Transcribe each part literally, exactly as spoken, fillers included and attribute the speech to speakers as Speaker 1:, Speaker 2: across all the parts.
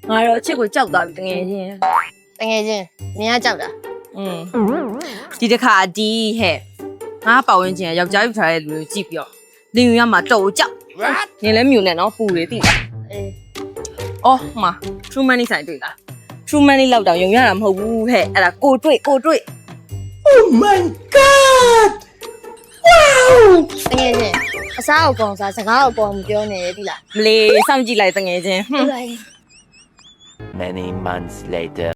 Speaker 1: ငါတော့အချစ်ကိုကြောက်သွားပြီတကယ်ချင်း
Speaker 2: တကယ်ချင်းနင်ကကြောက်တာ
Speaker 1: อืมဒီတစ်ခါဒီဟဲ့ငါပတ်ဝန်းကျင်ယောက်ျားယူထားတဲ့လူကိုကြည့်ပြီးတော့လင်ယူရမှာတော်ကြောက်နင်လည်းမြူနေနော်ပူတွေတိလား
Speaker 2: အေး
Speaker 1: အော်မှာ true money ဆိုင်တွေ့လား true money လောက်တောင်ယုံရတာမဟုတ်ဘူးဟဲ့အဲ့ဒါကိုတွေ့ကိုတွေ့
Speaker 3: Oh my god! Wow!
Speaker 2: တကယ်ချင်းအစားအကောင်စားစကားအကောင်မပြောနဲ့တိလား
Speaker 1: မလေးစောင့်ကြည့်လိုက်တငယ်ချင်းဟွန်း
Speaker 2: လိုက်
Speaker 4: Many months later.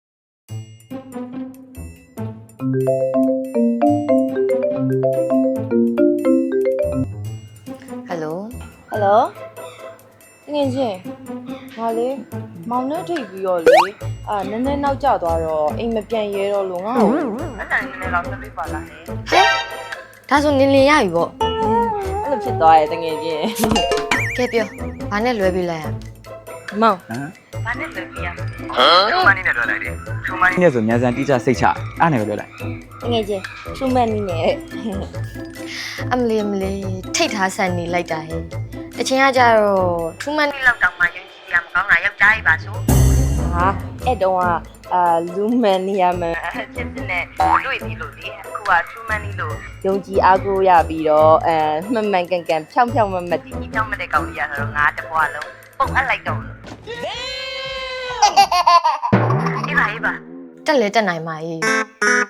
Speaker 2: ဟယ်လို
Speaker 1: ဟယ်လိုတငယ်ချင်းငါလေးမောင်နဲ့ထိပ်ပြီးတော့လေအာနည်းနည်းနောက်ကျသွားတော့အိမ်မပြန်ရဲတော့လို့ငါ့ကိုအတန်နည်းနည်းတော့ဆက်ပြီးပါလားဟဲ့
Speaker 2: ဟဲ့ဒါဆိုနင်လင်ရပြီပေါ့
Speaker 1: အဲ့လိုဖြစ်သွားရဲ့တငယ်ချင်း
Speaker 2: ကဲပြောဘာနဲ့လွဲပြီးလိုက်ရ
Speaker 1: မောင်
Speaker 3: ဟမ်ထုံမနီနဲ့တွေ့လိုက်တယ်ထုံမနီနဲ့ဆိုမြန်စံတိကျစိတ်ချအားနဲ့ပဲတွေ့လိုက်
Speaker 1: တငယ်ချင်း true money နဲ့
Speaker 2: အမလီအမလီထိတ်ထားဆန်နေလိုက်တာဟဲ့တချင်ကကြတော့ထူးမန်းနေလောက်တောင်မှယုံကြည်ရမကောင်းတာယောက်ျားကြီးပါဆို
Speaker 1: ဟာအဲ့တုန်းကအာလူမန်နီယာမန်ချစ်စစ်နဲ့တွေ့ပြီလို့လေအခုက true money လို့ယုံကြည်အားကိုးရပြီးတော့အဲမှန်မှန်ကန်ကန်ဖြောင်းဖြောင်းမမတ်တီဖြောင်းမတဲ့ကောင်ကြီးရဆိုတော့ငါတဘွားလုံးပုံအပ်လိုက်တော့အေးပါအေးပါ
Speaker 2: တက်လဲတက်နိုင်ပါ E